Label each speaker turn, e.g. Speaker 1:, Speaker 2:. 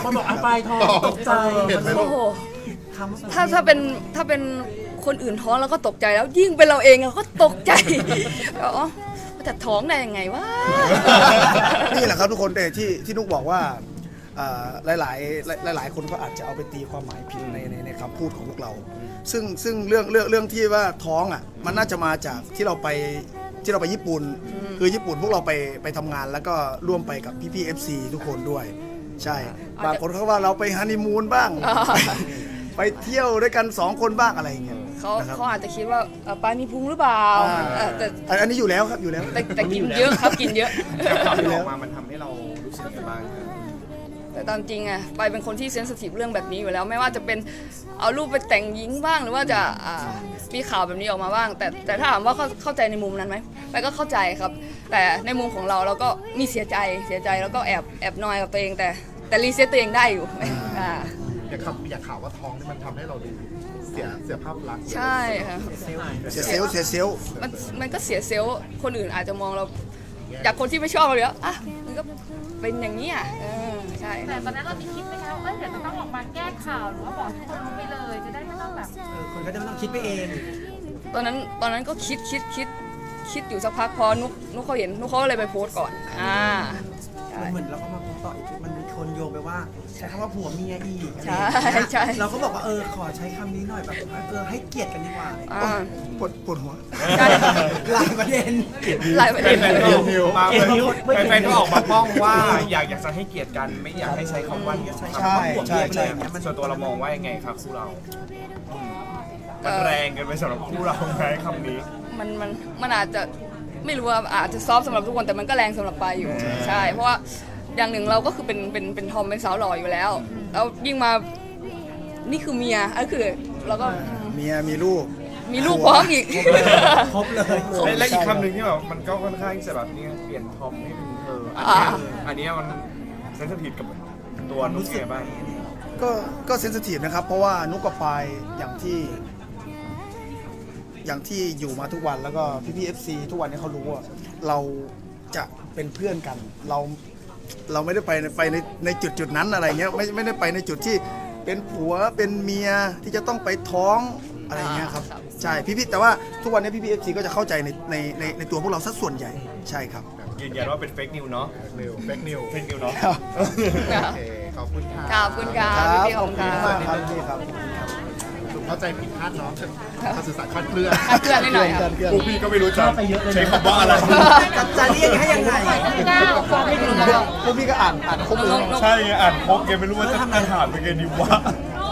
Speaker 1: คนบอกปลายท้องตกใจ
Speaker 2: โอ้โหถ้าเป็นคนอื่นท้องเราก็ตกใจแล้วยิ่งเป็นเราเองเราก็ตกใจอ๋อแต่ท้องได้ยังไงวะ
Speaker 3: นี่แหละครับทุกคนที่นุกบอกว่าหลายคนก็อาจจะเอาไปตีความหมายผิดในคำพูดของพวกเรา ซึ่งเรื่องที่ว่าท้องอ่ะมันน่าจะมาจากที่เราไปญี่ปุ่นคือญี่ปุ่นพวกเราไปทำงานแล้วก็ร่วมไปกับพี่ๆ FC ทุกคนด้วยใช่บางคนเขาว่าเราไปฮันนีมูนบ้างไปเที่ยวด้วยกัน2คนบ้างอะไรอย่างเงี้ย
Speaker 2: เขาอาจจะคิดว่าปลามีพุงหรือเปล่าแต่
Speaker 3: อันนี้อยู่แล้วครับอยู่แล้ว
Speaker 2: แต่กินเยอะครับกินเยอะ
Speaker 4: ข่าวที่ออกมามันทำให้เรารู้สึกยังไงบ้างครับ
Speaker 2: แต่ตามจริงอะไปเป็นคนที่เซนซิทีฟเรื่องแบบนี้อยู่แล้วไม่ว่าจะเป็นเอารูปไปแต่งหญิงบ้างหรือว่าจะมีข่าวแบบนี้ออกมาบ้างแต่ถ้าถามว่าเข้าใจในมุมนั้นไหมไปก็เข้าใจครับแต่ในมุมของเราก็มีเสียใจแล้วก็แอบนอยกับตัวเองแต่รีเซ็ตตัวเองได้อยู่
Speaker 4: อยากข่าวว่าท้องนี่มันทำให้เราดูเสียภาพลักษณ์
Speaker 2: ใช่ค่ะ
Speaker 3: เสียเซลล์
Speaker 2: มันก็เสียเซลล์คนอื่นอาจจะมองเราจากคนที่ไม่ชอบเราแล้วอ่ะมันก็เป็นอย่างนี้ใช่
Speaker 5: แต่ตอนนั้นเรามีคิดไหมคะว่าเดี๋ยวจะต้องออกมาแก้ข่าวหรือว่าบอกทุกคนรู้ไปเลยจะได้ไม่ต้องแบบ
Speaker 1: คนก็จะไม่ต้องคิดไปเอง
Speaker 2: ตอนนั้นก็คิดอยู่สักพักพอนุกเขาเห็นนุกเขาเลยไปโพสต์ก่อน
Speaker 1: เหมือนเราก็มาต่ออีกมันมีคนโยงไปว่าใช้คำว่าผัวเมียอีก
Speaker 2: ใช่
Speaker 1: เราก็บอกว่าขอใช้คำนี้หน่อยแบบให้เกียรติกันดีกว่า
Speaker 3: ปวดหัว
Speaker 1: หลายประเด็น
Speaker 4: แฟนก็ออกมาป้องว่าอยากจะให้เกียรติกันไม่อยากให้ใช้คำว่าผัวเมียเลยส่วนตัวเรามองว่ายังไงครับคู่เรามันแรงกันไปสำหรับคู่เราไหมคำนี้
Speaker 2: มันอาจจะไม่รู้ว่าอาจจะซอฟสำหรับทุกคนแต่มันก็แรงสำหรับปายอยู่ใช่เพราะว่าอย่างหนึ่งเราก็คือเป็นทอมเป็นสาวหล่ออยู่แล้วแล้วยิ่งมานี่คือเมียก็คือเราก็
Speaker 3: เมียมีลูก
Speaker 2: พร้อมอีก
Speaker 1: ครบเลย
Speaker 4: และอีกคำหนึ่งที่แบบมันก็ค่อนข้างจะแบบนี้เปลี่ยนทอมให้เป็นเธออันนี้มันเซนซิทีฟกับตัวนุ๊กเสียบ้าง
Speaker 3: ก็เซนซิทีฟนะครับเพราะว่านุ๊กกับปายอย่างที่อยู่มาทุกวันแล้วก็พี่ FC ทุกวันนี้เขารู้ว่าเราจะเป็นเพื่อนกันเราไม่ได้ไปในจุดนั้นอะไรเงี้ยไม่ได้ไปในจุดที่เป็นผัวเป็นเมียที่จะต้องไปท้องอะไรเงี้ยครับใช่พี่แต่ว่าทุกวันนี้พี่ FC ก็จะเข้าใจในตัวพวกเราสัดส่วนใหญ่ใช่ครับ
Speaker 4: ยืนยันว่าเป็นเฟกนิวเนาะเฟกนิวเนาะขอบคุณค่ะ
Speaker 2: ขอบคุณค่ะพี่ของค่ะ
Speaker 3: ครับ
Speaker 4: เข้าใจผิดพลาดเนาะการสื่อสารคลาดเคลื่อน
Speaker 2: นิดหน่อยครับ
Speaker 4: พวกพี่ก็ไม่รู้จะใช้คำว่าอะไร
Speaker 1: จะเรียกให้ยังไง
Speaker 3: พวกพี่ก็อ่านครบเลย
Speaker 4: ใช่อ่านครบแกไม่รู้ว่าจะถามเป็นไงดีวะ